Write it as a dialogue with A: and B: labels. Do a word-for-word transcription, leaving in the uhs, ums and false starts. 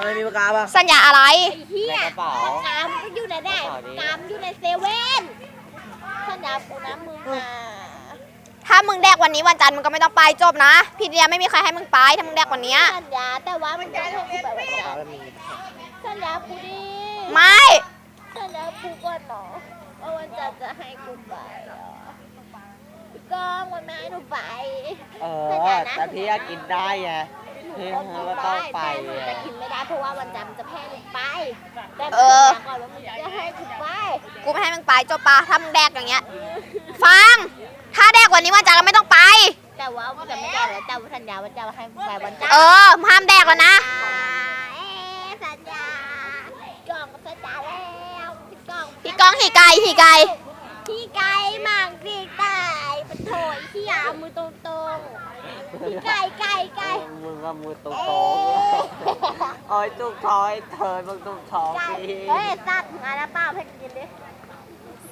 A: ำไมมีปากกาบ้าง
B: สัญญาอะไร
C: เฮีย
A: ในกระเป๋า
C: กามก็อยู่ไหนได้กามอยู่ในเซเว่นสัญญากูนะมึงมา
B: ถ้ามึงแดกวันนี้วันจันทร์มึงก็ไม่ต้องไปจบนะพี่เดียไม่มีใครให้มึงไปถ้ามึงแดกวันนี้
C: สัญญาแต่ว่ามันจะให้กูแบบวันจันทร์สัญญากูดิ
B: ไม่
C: สัญญากูก่อนเนาะว่าวันจันทร์จะให้กูไปพี่ก้องวันไม่ให้หนูไป
A: เออแต่พี่อยากกินได้ไงพี่ก็ต้องไป
C: แต่กินไม่ได้เพราะว่าวันจันทร์จะแพ้หนูไปแต่ก่อนว่ามึงจะให้กูไป
B: กูไม่ให้มึงไปจบปะถ้ามึงแดกอย่างเงี้ยฟังถ้าแดกวันนี้วันจันทร์เราไม่ต้องไป
C: แต่ว่าจะไม่ได้แล้วแต่สัญญาว่าจะให้ไปวันจันทร์
B: เออห้ามแดกแล้วนะ
C: สัญญาพี่ก้องสัญญาแล้วพี่ก้อง
B: พี่ก้องขี่ไก่ขี่ไก่
C: พี่ไก่มั่งพี่ไก่เป็นโถยที่ยามือตรงตรงพี่ไก่ไก่ไก่
A: มึงก็มือตรงตรงโอ้ยจุกท้อยเธอมึงจุกท้อง
C: พี่เฮ้ยสัตว์มาแล้วป้าให้กินดิ